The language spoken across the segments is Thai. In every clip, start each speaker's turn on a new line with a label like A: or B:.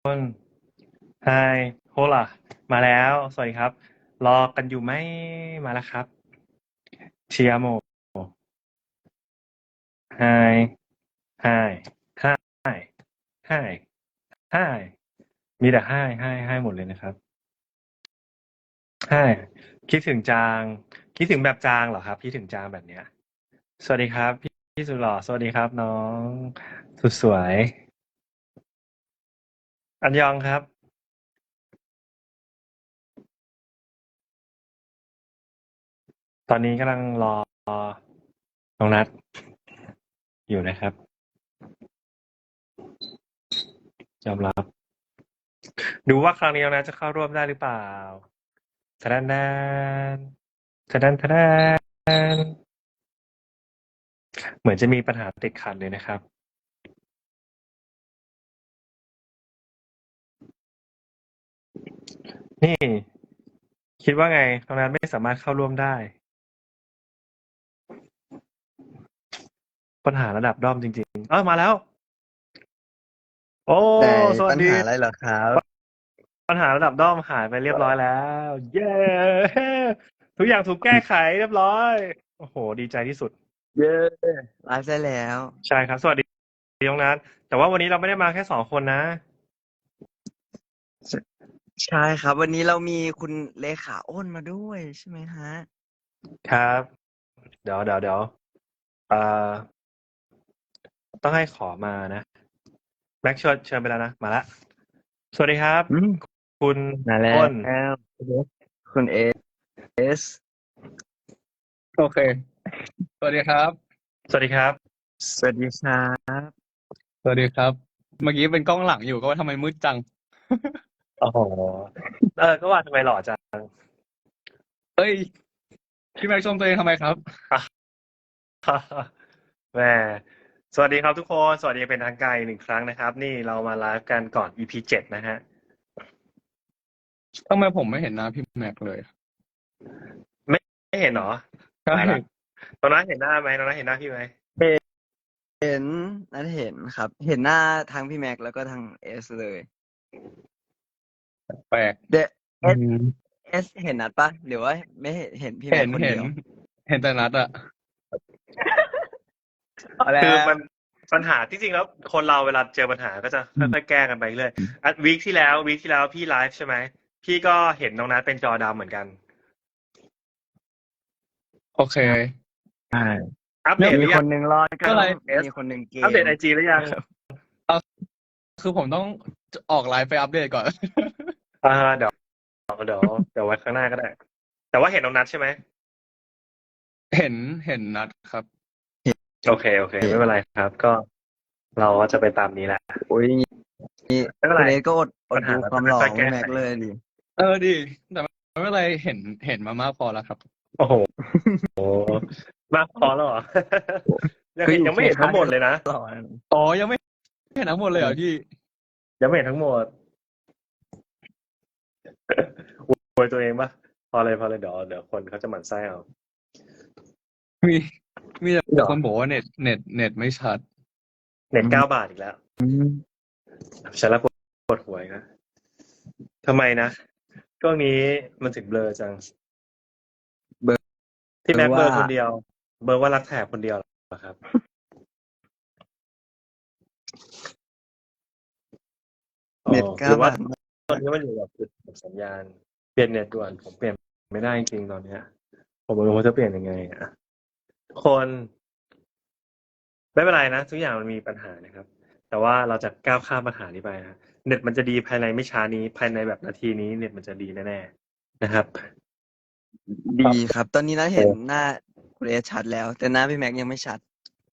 A: นไฮโฮล่ะมาแล้ว สวัสดีครับ รอกันอยู่ไหม มาแล้วครับ เชียโมไฮไฮไฮไฮไฮมีแต่ไฮหมดเลยนะครับไฮคิดถึงจาง คิดถึงแบบจางเหรอครับ คิดถึงจางแบบเนี้ย สวัสดีครับ พี่สุดหล่อ สวัสดีครับน้องสุดสวย อันยองครับ ตอนนี้กำลังรอน้องนัดอยู่นะครับ ยอมรับ ดูว่าครั้งนี้น้องนัดจะเข้าร่วมได้หรือเปล่าทะดันดนทะดันทะดันเหมือนจะมีปัญหาติดขัดเลยนะครับ นี่ คิดว่าไงน้องนัดไม่สามารถเข้าร่วมได้ ปัญหาระดับด้อมจริงๆมาแล้ว โอ้
B: แต่
A: สวัสดี
B: ปัญหาอะไรเหรอครับ
A: ปัญหาระดับด้อมหายไปเรียบร้อยแล้ว เย้ ทุกอย่างถูกแก้ไขเรียบร้อย โอ้โห ดีใจที่สุด
B: เย้ไลฟ์ได้แล้ว
A: ใช่ครับ สวัสดีน้องนัทแต่ว่าวันนี้เราไม่ได้มาแค่2 คนนะ
B: ใช่ครับ วันนี้เรามีคุณเลขาอ้นมาด้วยใช่ไหมฮะ
A: ครับ เดี๋ยวเอ่อต้องให้ขอมานะแม็กเชิญไปแล้วนะ มาละ สวัสดีครับ
B: อืม
A: คุณ
B: มาแล้
A: อ้น
B: ว คุณเอส
C: โอเค สวัสดีครับ
A: สวัสดีครับ
B: สวัสดีครับ
C: สวัสดีครับ เมื่อกี้เป็นกล้องหลังอยู่ก็ว่าทำไมมืดจัง
A: โอ้โห ก็ว่าทำไมหล่อจัง
C: เอ้ย พี่แม็กชมตัวเองทำไมครับ
A: แหมสวัสดีครับทุกคน สวัสดีเป็นทางการอีก1 ครั้งนะครับ นี่เรามาไลฟ์กันก่อน EP 7 นะฮะ
C: ทำไมผมไม่เห็นหน้าพี่แม็กเลย
A: ไม่เห็นเหรอ
C: ใช่
A: ตายละตอนนั้นเห็นหน้าไหมตอนนั้นเห็นหน้าพี่ไหม
B: เห็นนัดเห็นครับ เห็นหน้าทางพี่แม็กแล้วก็ทางเอสเลย
C: แปลก
B: เดเอสเห็นนัดปะหรือว่าไม่เห็นพี่แม็
C: เห็
B: ก
C: น
B: คน
C: เห็
B: เดี
C: น
B: ยว
C: เห็นแต่นัดอะ
A: คือมันปัญหาที่จริงแล้วคนเราเวลาเจอปัญหาก็จะค่อยๆแก้กันไปเรื่อยวีคที่แล้วพี่ไลฟ์ใช่ไหมพี่ก็เห็นน้องนัทเป็นจอดำเหมือนกัน
C: โอเค
B: ใช่
A: อัปเดตห
B: มี
A: รือ
B: ค
A: ยัง
B: นหนึ่งรอดก็
C: อะไร
B: มีคนหนึ่งเกม
A: อัปเดต IG หรือยัง
C: คือผมต้องออกไลฟ์ไปอัปเดตก่อน
A: เดี๋ยวไว้ข้างหน้าก็ได้ แต่ว่าเห็นน้องนัทใช่ไหม
C: เห็นนัดครับ
A: โอเคไม่เป็นไรครับ ก็เราก็จะไปตามนี้แหละ
B: โอ้ยนี่
A: ไม่เป็น
B: คุ
A: ไร
B: ณเอสก็อด
A: ปัญหา
B: ดูความหล่อ
A: ค่
B: ข
A: อยๆ
B: อง
A: แก้
B: แม็ก
A: ไข
B: เลยดิ
C: ดีแต่ไม่เป็นไรเห็นมามากพอแล้วครับ
A: โอ้โหมากพอแล้วเหรอ ยังไม่เห็นทั้งหมดเลยนะ
B: หล่อนะ
C: อ๋อยังไม่เห็นทั้งหมดเลยเหรอพี่
A: ยังไม่เห็นทั้งหมด อวยตัวเองปะพอเลยเดี๋ยวคนเขาจะหมั่นไส้เอา
C: มีแต่คนบอกว่าเน็ตไม่ชัด
A: เน็ต9 บาทอีกแล้วฉันละปวดหัวอีกนะทำไมนะช่วงนี้มันถึงเบลอจัง
B: เบลอ
A: ที่แม็ก
B: ว่า
A: เบลอคนเดียว เบลอว่ารักแถบคนเดียวเหรอครับ
B: เน็ต
A: หรือว่า
B: 9 บาท
A: ตอนนี้มันอยู่กับจุดสัญญาณ เปลี่ยนเน็ตด่วนผมเปลี่ยนไม่ได้จริงๆตอนเนี้ย ผมไม่รู้ว่าจะเปลี่ยนยังไงอ่ะคนไม่เป็นไรนะทุกอย่างมันมีปัญหานะครับ แต่ว่าเราจะก้าวข้ามปัญหานี้ไปนะเน็ตมันจะดีภายในไม่ช้านี้ภายในแบบนาทีนี้เน็ตมันจะดีแน่ๆนะครับ
B: ดีครับ ตอนนี้นัดเห็นหน้าคุณเอสชัดแล้ว แต่หน้าพี่แม็กยังไม่ชัด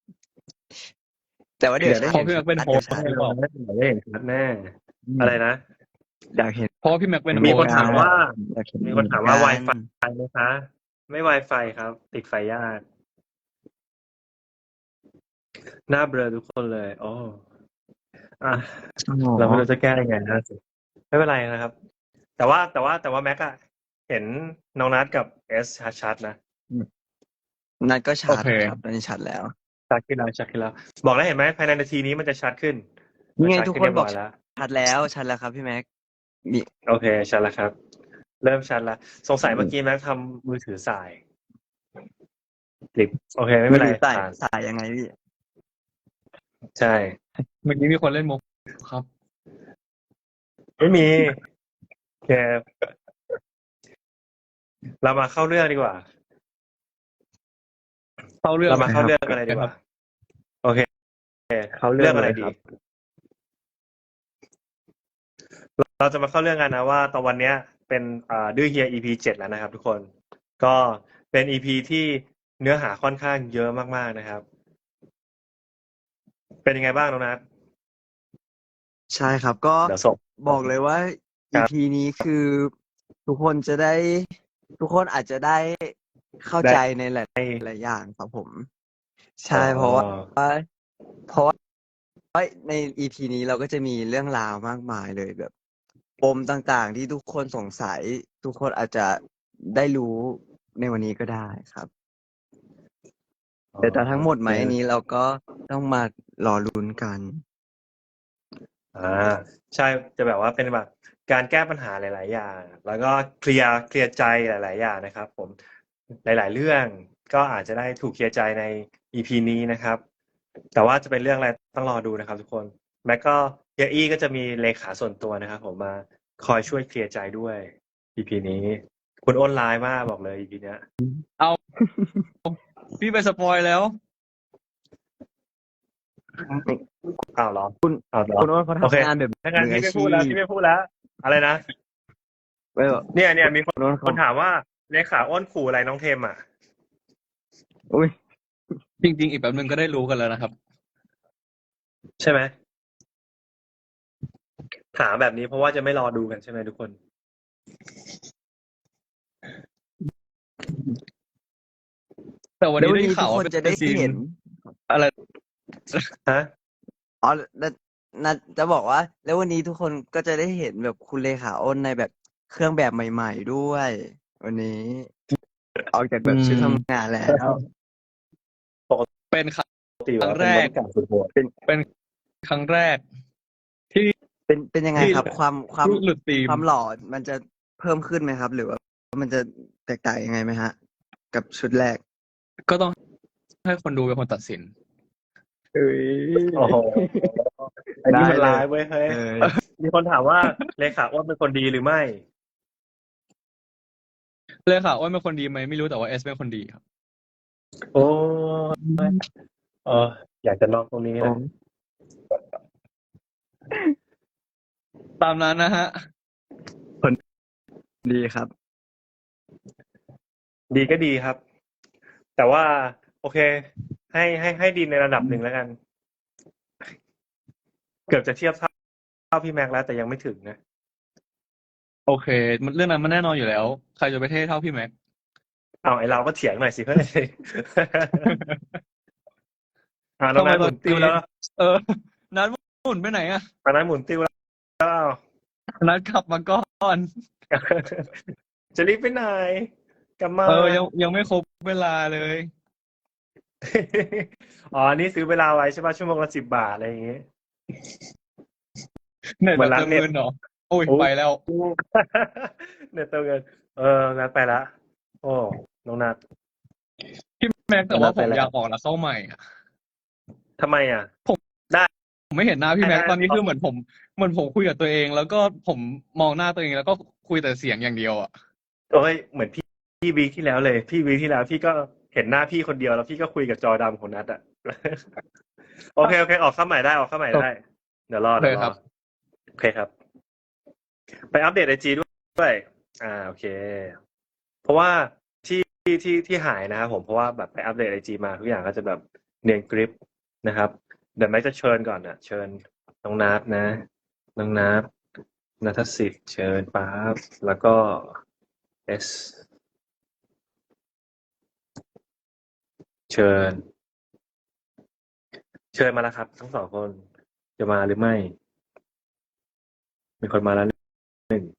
B: แต่ว่าเดี๋ยวได้
C: เพ
B: เห็น
C: ราะพี่แม็กเป็น
B: ชัด
C: โฮสต์
B: ชัด
C: หรือเปล่า
A: ได้เห็นชัดแน่อะไรนะ
B: อยากเห็น
C: เพราะว่าพี่แม็กเป็นโฮ
A: มี
C: ส
A: คน
C: ต์
A: ถามว่า
B: อยากเห็น
A: มีคนถามว่า
B: เหมือน
A: Wi-Fi
B: กัน
A: ไหมคะไม่ Wi-Fi ครับ ติดไฟยากหน้าเบลอทุกคนเลยโอ้อ่ะเราไม่รู้จะแก้ยังไงนะสิไม่เป็นไรนะครับ แต่ว่าแม็กอะเห็นน้องนัทกับเอสชัดๆนะ
B: นัดก็ชั
C: โอ
B: ด
C: เค
B: ครับตอนนี้ชัดแล้ว
A: ชัดขึ้นแล้วบอกแล้วเห็นไหมภายในนาทีนี้มันจะชัดขึ้น
B: นี่ไง
A: มัชัด
B: ทุก
A: ขึ้
B: คน
A: เรีย
B: บอก
A: ร้ยแล้ว
B: ชัดแล้วครับพี่แม็กมี
A: โอเคชัดแล้วครับ เริ่มชัดแล้วสงสัยเมื่อกี้แม็กทำมือถือสายติดโอเคไม่
B: มื
A: เป็
B: อน
A: ไร
B: ถือสาย
A: ผ่าน
B: สายยังไงพี่
A: ใช่
C: เมื่อกี้มีคนเล่นมุกครับ
A: ไม่มีโอเคเรามาเข้าเรื่องดีกว่า
C: เข้าเรื่อง
A: เรามาเข้า
B: ครับ
A: เรื่องกันเลยดีกว่า โอเค
B: เขาเรื่
A: เรื่
B: อ
A: อง ง
B: เล
A: อะไร
B: ย
A: ดี
B: ครับ
A: เราจะมาเข้าเรื่องกันนะว่าตอนวันเนี้ยเป็นดื้อเฮีย EP 7แล้วนะครับ ทุกคน ก็เป็น EP ที่เนื้อหาค่อนข้างเยอะมากๆนะครับ เป็นยังไงบ้างน้องนัท
B: ใช่ครับก็
A: เดี๋ยวส่ง
B: บอกเลยว่า
A: ครับ
B: EP นี้คือทุกคนจะได้ ทุกคนอาจจะได้เข้าใจในหลายอย่างครับผม ใช่เพราะว่าใน EP นี้เราก็จะมีเรื่องราวมากมายเลยแบบปมต่างๆ ที่ทุกคนสงสัย ทุกคนอาจจะได้รู้ในวันนี้ก็ได้ครับ แต่ทั้งหมดไหมอันนี้เราก็ต้องมารอลุ้นกัน
A: ใช่จะแบบว่าเป็นแบบการแก้ปัญหาหลายๆอย่าง แล้วก็เคลียร์ใจหลายๆอย่างนะครับ ผมหลายๆเรื่องก็อาจจะได้ถูกเคลียร์ใจใน EP นี้นะครับ แต่ว่าจะเป็นเรื่องอะไรต้องรอดูนะครับ ทุกคนแม็กก็เฮียอี้ก็จะมีเลขาส่วนตัวนะครับ ผมมาคอยช่วยเคลียร์ใจด้วย EP นี้คุณอ้นร้ายมากบอกเลย EP เนี้ย
C: พี่ไปสปอยแล้ว
A: อ้าวเหรอ
B: คุณ
A: อ้าวเหรอ
B: คุณโอ้นเขา
A: โอเค
B: ทำงานแบบ
A: ถ้างั้น
B: มือ
A: พี่
B: อา
A: ไม่
B: ชี
A: พูดแล้ว
B: พ
A: พี่ไม่พูดแล้ว อะไรนะ
B: ไม่แบบ
A: เนี่ยมีคน
B: คุณโอ้น
A: ค
B: เขา
A: นถามว่าเลขาอ้นขู่อะไรน้องเทมอ่ะ
B: อุ้ย
C: จริง ๆ อีกแป๊บนึงก็ได้รู้กันแล้วนะครับ
A: ใช่ไหมถามแบบนี้เพราะว่าจะไม่รอดูกันใช่ไหมทุกคน
C: แต่วัน
B: แล้ว
C: นี้
B: วัน
C: ได้
B: นี้ทุ
C: ข่าก ว
B: ค
C: ว่าน เป็น
B: จะได้
C: ซีน
B: เห็น
C: อะไร
A: ฮะ
B: อ๋อน่าจะบอกว่า แล้ววันนี้ทุกคนก็จะได้เห็นแบบคุณเลขาอ้นในแบบเครื่องแบบใหม่ๆด้วย วันนี้ ออกจากแบบชุดทำงานแล้ว
C: เป็นครั้
A: ปกติ
C: ง
A: ว่า
C: แร
A: เป็นบ
C: ก
A: ริการสุดโหด
C: เป็นครั้งแรก ที่
B: เป็นยังไงครับ ความ
C: ที่หลุดธีม
B: ความหล่อมันจะเพิ่มขึ้นไหมครับ หรือว่ามันจะแตกต่างยังไงไหมฮะ กับชุดแรก
C: ก็ต้องให้คนดูเป็นคนตัดสิน
B: เอ้ย
A: โอ้โหอันนี้มัน
B: ได้เลย
A: ร้ายเว้ยเฮ้ยมีคนถามว่าเลขาอ้นเป็นคนดีหรือไม่
C: เลยค่ะอ้นเป็นคนดีไหมไม่รู้แต่ว่าเอสเป็นคนดีครับ
A: โอ้ยอยากจะลองตรงนี้นะ
C: ตามนั้นนะฮะ
B: ดีครับ
A: ดีก็ดีครับ แต่ว่า โอเค ให้ดีในระดับหนึ่งแล้วกัน เกือบจะเทียบเท่าพี่แม็กแล้วแต่ยังไม่ถึงนะ
C: โอเค มันเรื่องนั้นมันแน่นอนอยู่แล้ว ใครจะไปเท่เท่าพี่แม็ก
A: เอาไอเราก็เถียงหน่อยสิเพื่อน น้องนัทหมุนติ้วแล้ว
C: นัดหมุนไปไหนอะ
A: ตอนนั้นหมุนติ้วแล้ว
C: นัดกลับมาก่อน
A: จะรีบไปไหนกลับมา
C: ยังไม่ครบเวลาเลย
A: อ๋อ นี่ซื้อเวลาไว้ใช่ป่ะชั่วโมงละ10 บาทอะไรอย่างงี้
C: เน็ต
A: เหมื
C: แบ
A: อบ นร้าน
C: เติม
A: เน็ต
C: เงินเหรอ โอ้ย
A: โอ้
C: ไปแล้ว
A: เนี่ยเติมเงินงั้นไปละ โอ้น้องนัท
C: พี่แม็กแต่ว่า
A: นัด
C: ผ
A: ไป
C: ม
A: แล้ว
C: อยากออกแล้วเข้าใหม่อะ
A: ทำไมอ่ะ
C: ผมไม่เห็นหน้าพี่แม็ก
A: ได้
C: ตอนนี้คือเหมือนผมคุยกับตัวเอง แล้วก็ผมมองหน้าตัวเองแล้วก็คุยแต่เสียงอย่างเดียวอะ
A: โอ้ยเหมือนพี่วีคที่แล้วเลย พี่วีคที่แล้วพี่ก็เห็นหน้าพี่คนเดียวแล้วพี่ก็คุยกับจอดำของนัทอ่ะ โอเคออกเข้าใหม่ได้ เดี๋ยวรอ
C: ครับ
A: โอเคครับ ไปอัปเดตไอจีด้วยโอเค เพราะว่าที่หายนะครับผมเพราะว่าแบบไปอัปเดตไอจีมาทุกอย่างก็จะแบบเนียนกริปนะครับ เดี๋ยวแม็กจะเชิญก่อนนะเชิญน้องนัทนะน้องนัทนัทสิทธิ์เชิญป๊าบแล้วก็เอสเชิญมาแล้วครับ ทั้งสองคนจะมาหรือไม่ มีคนมาแล้วหนึ่ง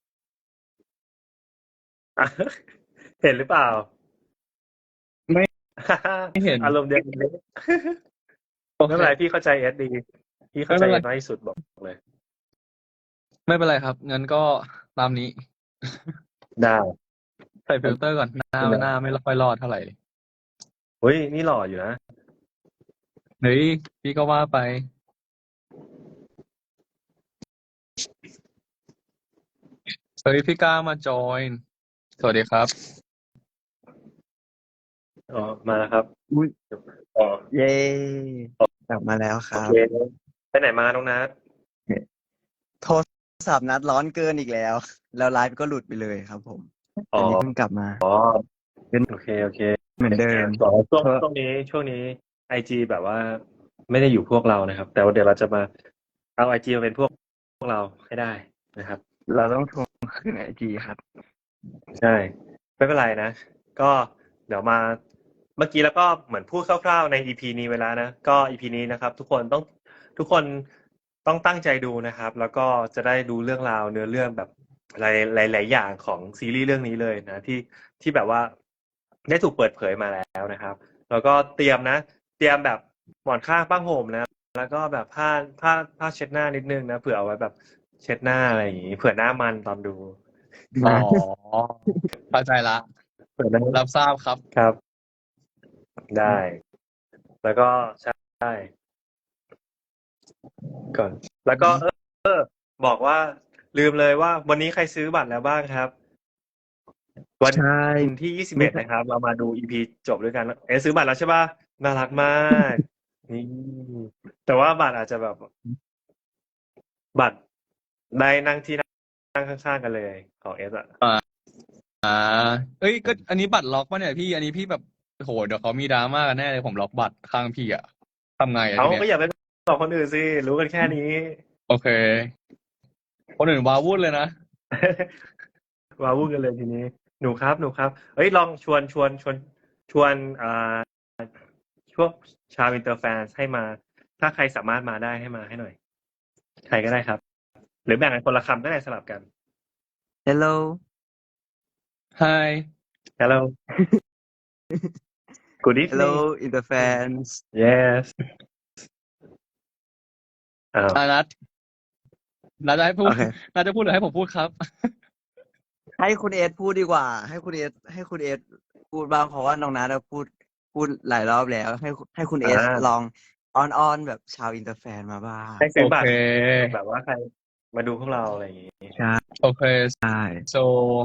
A: อ่ะ เห็นหรือเปล่า
C: ไม่ เห็น
A: อารมณ์เดียวกันเลย
C: โอ
A: ไม่
C: เค
A: เป็นไรพี่เข้าใจเอสดีพี่เข้าใจ
C: ไม่
A: เอ
C: เป็น
A: ส
C: ไร
A: น้อยที่สุดบอกเลย
C: ไม่เป็นไรครับงั้นก็ตามนี้
A: ได้
C: ใส่ฟิลเตอร์ก่อนหน้าไม่ค่อยรอดเท่าไหร่
A: เฮ้ยนี่หล่ออยู่นะ
C: เฮ้ยพี่ก็ว่าไปเฮ้ยพี่ก้ามาจอยสวัสดีครับ
A: อ๋อมาแล้วครับ
B: อุ๊ย
A: อ๋อ
B: เย้กลับมาแล้วค
A: โอ
B: รับ
A: เคไปไหนมาน้องนัท
B: โทรศัพท์นัดร้อนเกินอีกแล้ว แล้วไลฟ์ก็หลุดไปเลยครับผม
A: อ๋อ
B: อันนี้เพิ่งกลับมา
A: อ๋อโอเคโอเค
B: เหมือนเดิม
A: ต่อช่วงนี้ไอจีแบบว่าไม่ได้อยู่พวกเรานะครับ แต่ว่าเดี๋ยวเราจะมาเอาไอจีมาเป็นพวกเราให้ได้นะครับ
B: เราต้องทวงคืนไอจีครับ
A: ใช่ไม่เป็นไรนะ ก็เดี๋ยวมาเมื่อกี้แล้วก็เหมือนพูดคร่าวๆใน EP นี้เวแลานะก็ EP นี้นะครับ ทุกคนต้องตั้งใจดูนะครับ แล้วก็จะได้ดูเรื่องราวเนื้อเรื่องแบบหลายอย่างของซีรีส์เรื่องนี้เลยนะที่แบบว่าได้ถูกเปิดเผยมาแล้วนะครับ แล้วก็เตรียมแบบหมอนข้างผ้าห่มนะ แล้วก็แบบผ้าเช็ดหน้านิดนึงนะเผื่อเอาไว้แบบเช็ดหน้าอะไรอย่างงี้เผื่อหน้ามันตอนดู
C: อ๋อเข้าใจละ
A: เผื่อหน้า
C: รับทราบครับ
A: ครับ ได้ แล้วก็ใช่ก่อน แล้วก็บอกว่าลืมเลยว่าวันนี้ใครซื้อบัตรแล้วบ้างครับ วัน
B: ใช่
A: ที่21นะครับ เรามาดู EP จบด้วยกันซื้อบัตรแล้วใช่ป่ะน่ารักมาก นี่แต่ว่าบัตรอาจจะแบบ บัตรได้นั่งที่นั่งข้างๆกันเลยของเอสอะ
C: เอ้ยก็อันนี้บัตรล็อกป่ะเนี่ยพี่อันนี้พี่แบบโหเดี๋ยวเขามีดราม่ากันแน่เลยผมล็อกบัตรข้างพี่อะทำไงอะ
A: เขา
C: ทีเนี้
A: ก็
C: ย
A: อย่าไปบอกคนอื่นสิรู้กันแค่นี้
C: โอเค คนอื่นว้าวุ่นเลยนะ
A: ว้าวุ่นกันเลยทีนี้หนูครับเอ้ยลองชวนช่วงชาวอินเตอร์แฟนให้มา ถ้าใครสามารถมาได้ให้มาให้หน่อย ใครก็ได้ครับ หรือแบ่งกันคนละคำก็ได้สลับกัน
B: Hello
C: Hi
A: Hello Good evening
B: Hello in the fans
A: Yes
C: นัดจะให้พูด
B: โอเค
C: นัดจะพูดหรือให้ผมพูดครับ
B: ให้คุณเอสพูดดีกว่า ให้คุณเอสพูดบ้างเพราะว่าน้องนัทพูดหลายรอบแล้ว ให้คุณเอสลองอ้อนแบบชาวอินเตอร์แฟนมาบ้าง
A: ให้ซื้อบัตร
C: โอเค
A: แบบว่าใครมาดูพวกเราอะไรอย่างงี้
B: ใช่
C: Okay,
B: ใช่
C: so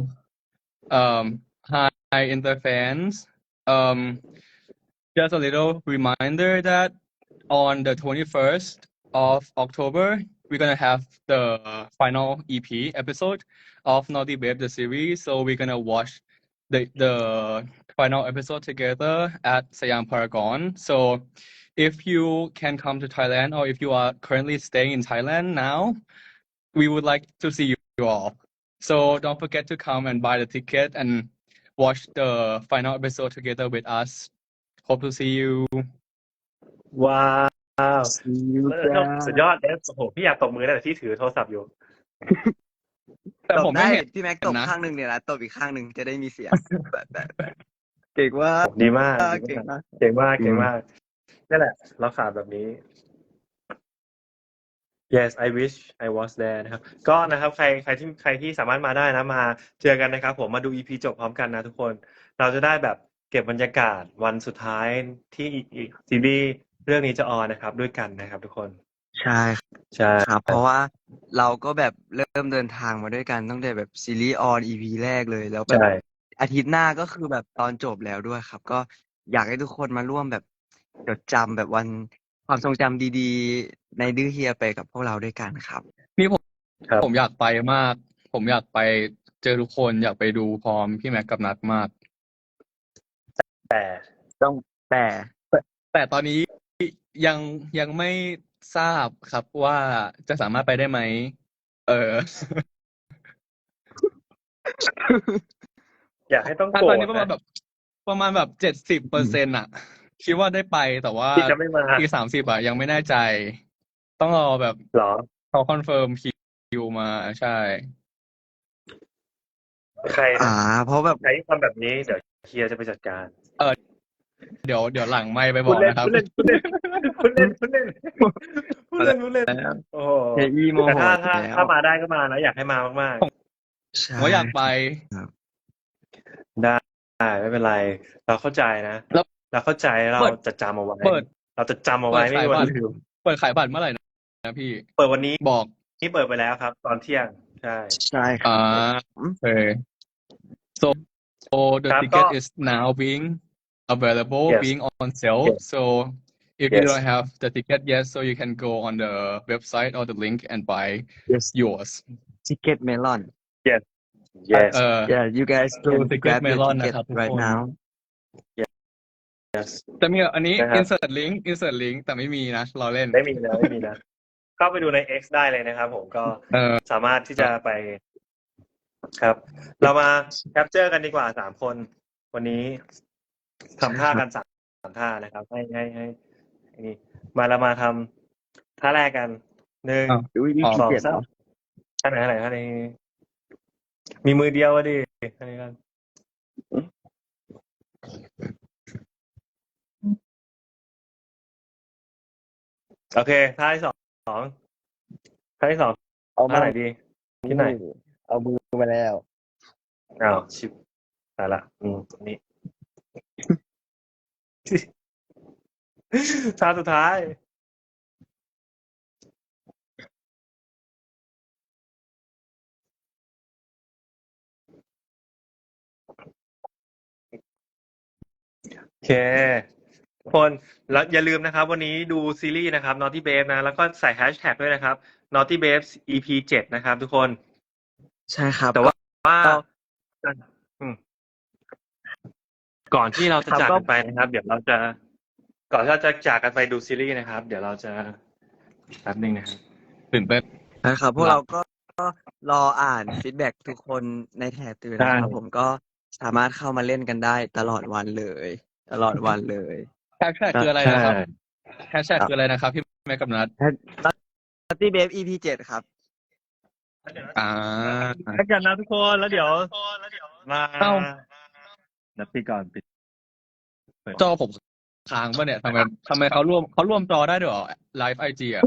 C: hi Inter fans. Just a little reminder that on the 21st of October, we're gonna have the final EP episode of Naughty Babe the series. So we're gonna watch the final episode together at Siam Paragon. So if you can come to Thailand or if you are currently staying in Thailand now, we would like to see you all. So don't forget to come and buy the ticket and watch the final episode together with us. Hope to see you.
A: ว้าว
B: See you
A: สุดยอดเอสโอ้โหพี่อยากตบมือแต่ที่ถือโทรศัพท์อยู่
C: แต่
B: ต
C: ผ
B: บ
C: มไม่
B: ได้
C: เห็น
B: พี่แม็กตบ
C: นะ
B: ข้างหนึ่งเนี่ยนะตบอีกข้างหนึ่งจะได้มีเสียงแบบเก่งว่า
A: ดีมาก
B: เก่งมาก
A: เก่งมากนั่นแหละ เราขาดแบบนี้ Yes I wish I was there นะครับ ก็นะครับใครที่สามารถมาได้นะมาเจอกันนะครับ ผมมาดู EP จบพร้อมกันนะทุกคน เราจะได้แบบเก็บบรรยากาศวันสุดท้ายที่ซีรีส์เรื่องนี้จะออนนะครับ ด้วยกันนะครับ ทุกคน
B: ใช่
A: ใช่
B: ครับ เพราะว่าเราก็แบบเริ่มเดินทางมาด้วยกันตั้งแต่แบบซีรีส์ออน EP แรกเลยแล้วแบบ
A: ใช่
B: อาทิตย์หน้าก็คือแบบตอนจบแล้วด้วยครับ ก็อยากให้ทุกคนมาร่วมแบบจดจำแบบวันความทรงจำดีๆ ในดื้อเฮียไปกับพวกเราด้วยกันครับ
C: นี่ผม
A: ครับ
C: ผมอยากไปมาก ผมอยากไปเจอทุกคนอยากไปดูพร้อมพี่แม็กกับนัดมาก
A: แต่
B: ต้องแต่
C: แต่ตอนนี้ยังไม่ทราบครับว่าจะสามารถไปได้ไหม
A: อยากให้ต้อง
C: ต
A: โกร
C: อน
A: ธ
C: นี้ประมาณ
A: นะ
C: แบบ70%อะคิดว่าได้ไปแต่ว่า
A: ที่จะไม่มา
C: อีก30อะยังไม่แน่ใจ ต้องรอแบบ
A: เหรอ
C: เขาคอนเฟิร์มคิวมาใช่
A: ใครนะ
B: เพราะแบบ
A: ใครที่ทำแบบนี้เดี๋ยวเฮียจะไปจัดการ
C: เดี๋ยวหลังไมค์ไปบ
A: พู
C: อ
A: ด
C: ก
A: เล่น
C: นะครับ
A: พูดเล่นพูดเล่นพูดเล่นโอ้โห
B: เฮอี้โม
A: แต่
B: โห
A: ถ้า
B: แล้ว
A: ถ้ามาได้ก็มานะอยากให้มามาก
B: ใช่
C: ผมว่าอยากไป
A: ๆได้ไม่เป็นไร เราเข้าใจนะ
C: แล้ว
A: เราเข้าใจเรา
C: เปิด
A: จะจำเอาไว้
C: เปิด
A: เราจะจำเอา
C: เปิ
A: ไว้
C: ด
A: ไม่
C: ขาย
A: มีวั
C: บั
A: น
C: ตร
A: ลืม
C: เปิดขายบัตรเมื่อไหร่นะพี่
A: เปิดวันนี้
C: บอก
A: นี่เปิดไปแล้วครับ ตอนเที่ยง ใช่
B: ใช่ครั
C: อ่า
B: บผม
C: โอเค so the
A: ครับ
C: ticket
A: ก็
C: is now being available
A: Yes.
C: being on sale
A: Yes.
C: so if you
A: Yes.
C: don't have the ticket yet so you can go on the website or the link and buy
B: yes
C: yours
B: ticket melon
A: yes
C: เอ่อ
B: yeah you guys
C: ดู
B: can
C: Ticket
B: grab your
C: Melon
B: ticket
C: นะครับทุก
B: right
C: คน
B: now
A: yes
C: แต่มีอันนี้
A: นะครับ
C: insert link แต่ไม่มีนะเราเล่น
A: ไม่มีนะไม่มีนะ เข้าไปดูใน X ได้เลยนะครับผมก็ สามารถที่จะไปครับ เรามาแคปเจอร์กันดีกว่า3 คน วันนี้ทำท่ากัน3 ท่านะครับ ให้นี่มาเรามาทำท่าแรกกัน1
C: อ้าว
B: อุ้ยนี่
C: อ๋อ
B: ขี้เกียจ
A: 2
B: เหรอ
A: 3ท่าไหนท่านี้มีมือเดียวอะดิท่านี้กันโอเคท่าที่สองท่าที่ 2
B: เอา
A: ท่าไหนดี คิดหน่อย
B: เอามือมาแล้ว
A: อ้าวชิบตายละนี่ ท่าสุดท้าย โอเคทุกคนแล้วอย่าลืมนะครับ วันนี้ดูซีรีส์นะครับ Naughty Babe นะ แล้วก็ใส่แฮชแท็กด้วยนะครับ Naughty Babes EP 7 นะครับ ทุกคน
B: ใช่ครับ
A: แต่ว่าอืมก่อนที่เราจะจากกันไปนะครับ เดี๋ยวเราจะ ก่อนที่เราจะจากกันไปดูซีรีส์นะครับ เดี๋ยวเราจะแป๊บนึงนะครับ
C: ตื่นเต้น
B: นะครับพวกเราก็รออ่านฟีดแบ็กทุกคนในแถบตื่นนะครับ
A: ใช่
B: ผมก็สามารถเข้ามาเล่นกันได้ตลอดวันเลย ตลอดวันเลย
C: แฮชแท็กคืออะไรนะครับแฮชแท็กคืออะไรนะครับพี่แม่กับนัท
B: Naughty Babe EP 7 ครับ
C: อ่า
A: แล้วกันนะทุกคนแล้วเดี๋ยวมา
C: เอ้า
A: นับปีก่อนปิด
C: จอผมค้างป่ะเนี่ยทำไมเขาร่วมจอได้ด้วยเหรอไลฟ์ไอจีอ่ะ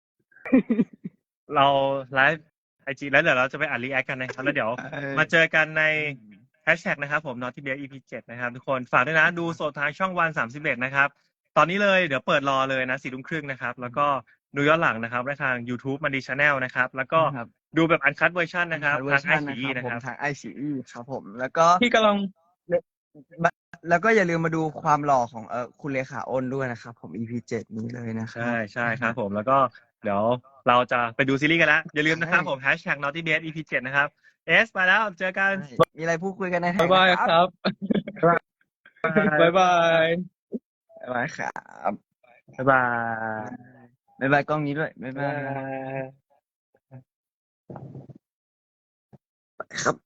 A: เราไลฟ์ไอจีแล้วเดี๋ยวเราจะไปอ่านรีแอคกันนะครับ แล้วเดี๋ยวมาเจอกันในแฮชแท็กนะครับผม Naughty Babe EP 7 นะครับ ทุกคนฝากด้วยนะดูสดทางช่องวัน31นะครับ ตอนนี้เลยเดี๋ยวเปิดรอเลยนะ 4:30 นนะครับ แล้วก็ดูย้อนหลังนะครับได้ทาง YouTube มันดี Channel นะครับ แล้วก็
B: ครับ
A: ดูแบบอันคัตเวอร์ชันนะครับ
B: เวอ
A: ทา
B: ร์
A: ง
B: ชัน
A: ICE
B: นะ
A: นะ
B: ค
A: ค
B: รั
A: รั
B: บบ ผมทาง ICE ครับผม แล้วก็
C: ที่กำลัง
B: แล้วก็อย่าลืมมาดูความหล่อของคุณเลขาอ้นด้วยนะครับผม EP 7 นี้เลยนะครับ
A: ใช่ครับผมแล้วก็เดี๋ยวเราจะไปดูซีรีส์กันแล้ว อย่าลืมนะครับผม Hashtag Naughty Babe EP 7 นะครับไปแล้วเจอกัน
B: มีอะไรพูดคุยกันในแท็
C: บ๊าก ยบาย
B: นะครับ
C: บ๊ายบาย
B: บ๊ายบายครับ
A: บ๊ายบาย
B: บ๊ายบายกล้องนี้ด้วยบ๊ายบายครับ